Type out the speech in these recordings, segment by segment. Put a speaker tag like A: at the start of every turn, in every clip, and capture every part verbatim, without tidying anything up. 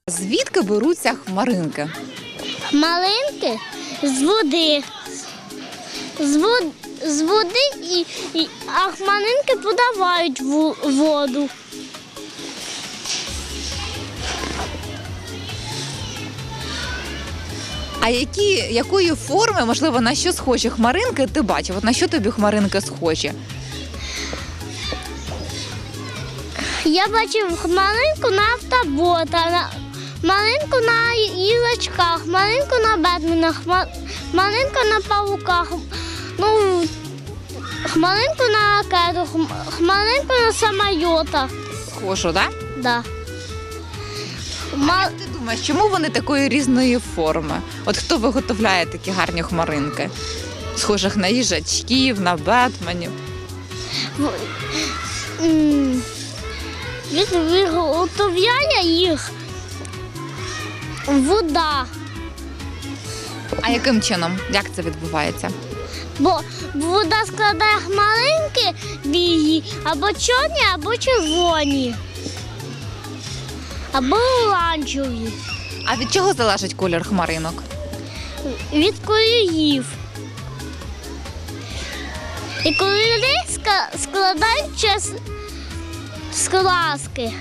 A: Звідки беруться хмаринки?
B: Малинки з води. З води, з води і, і, а хмаринки подавають в воду.
A: А які, якої форми, можливо, на що схожі хмаринки ти бачив? От на що тобі хмаринки схожі?
B: Я бачив хмаринку на автобота, на, хмаринку на їжачках, хмаринку на бетменах, хмаринку на павуках, ну, хмаринку на ракету, хмаринку на самолітах.
A: Схожу, так?
B: Да.
A: А як ти думаєш, чому вони такої різної форми? От хто виготовляє такі гарні хмаринки? Схожих на їжачків, на бетменів.
B: Від виготовляє їх вода.
A: А яким чином? Як це відбувається?
B: Бо вода складає хмаринки білі, або чорні, або червоні, або оранжеві.
A: А від чого залежить колір хмаринок?
B: Від кольорів. І кольори складаються з з краски.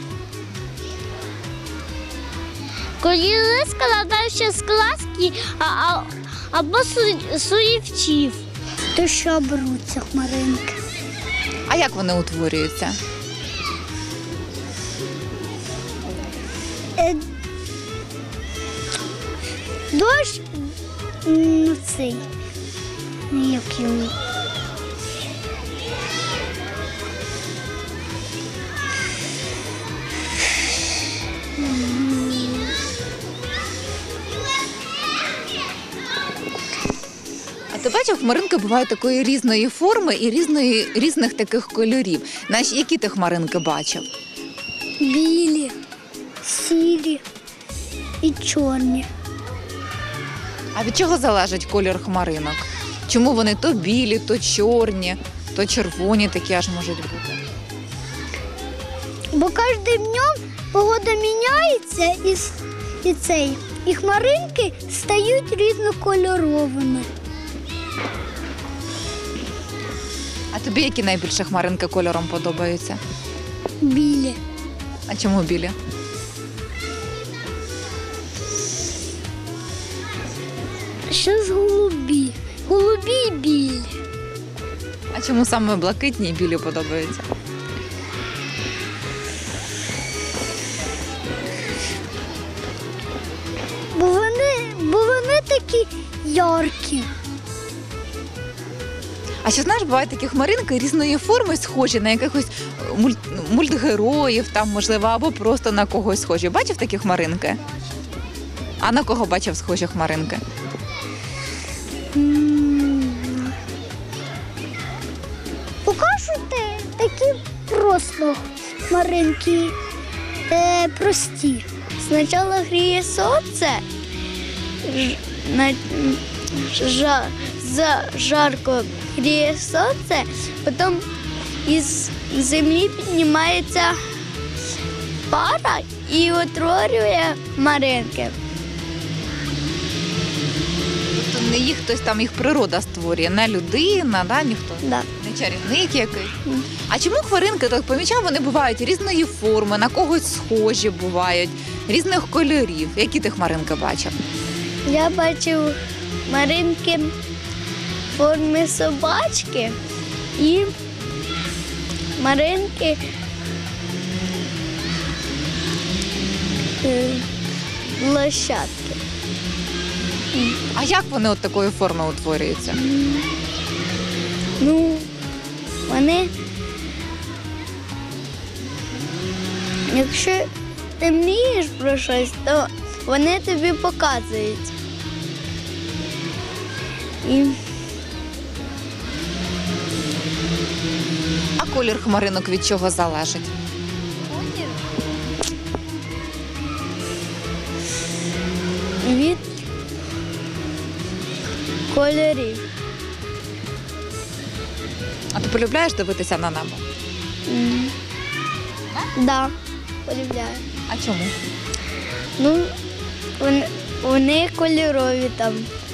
B: Кольори складаються з краски а, а, або сурівців. То що беруться хмаринки?
A: А як вони утворюються?
B: Е, дощ, ну цей, як його.
A: А ти бачив, хмаринки бувають такої різної форми і різної, різних таких кольорів. Знаєш, які ти хмаринки бачив?
B: Білі, сірі і чорні.
A: А від чого залежить колір хмаринок? Чому вони то білі, то чорні, то червоні такі аж можуть бути?
B: Бо кожним днем погода міняється і, і, цей, і хмаринки стають різнокольоровими.
A: А тобі які найбільше хмаринки кольором подобаються?
B: Білі.
A: А чому білі?
B: Що з голубі? Голубі і білі.
A: А чому саме блакитні і білі подобаються?
B: Бо вони, бо вони такі яркі.
A: А ще, знаєш, бувають такі хмаринки різної форми, схожі на якихось мульт, мультгероїв, там, можливо, або просто на когось схожі. Бачив такі хмаринки? А на кого бачив схожі хмаринки?
B: Покажете такі просто хмаринки е, прості. Спочатку гріє сонце, ж, на, жа, за жарко гріє сонце, потім із землі піднімається пара і утворює хмаринки.
A: Тобто не їх хтось там, їх природа створює, не людина, да, ніхто?
B: Да.
A: Не чарівник якийсь. А чому хмаринки, так помічав, вони бувають різної форми, на когось схожі бувають, різних кольорів. Які ти хмаринки бачив?
B: Я бачив хмаринки в формі собачки і хмаринки е, лошадки.
A: А як вони от такої форми утворюються?
B: Ну, вони, якщо ти мрієш про щось, то вони тобі показують. І
A: А колір хмаринок від чого залежить?
B: від кольорів.
A: А ти полюбляєш дивитися на небо?
B: Так, да, полюбляю.
A: А чому?
B: Ну, вони, вони кольорові там.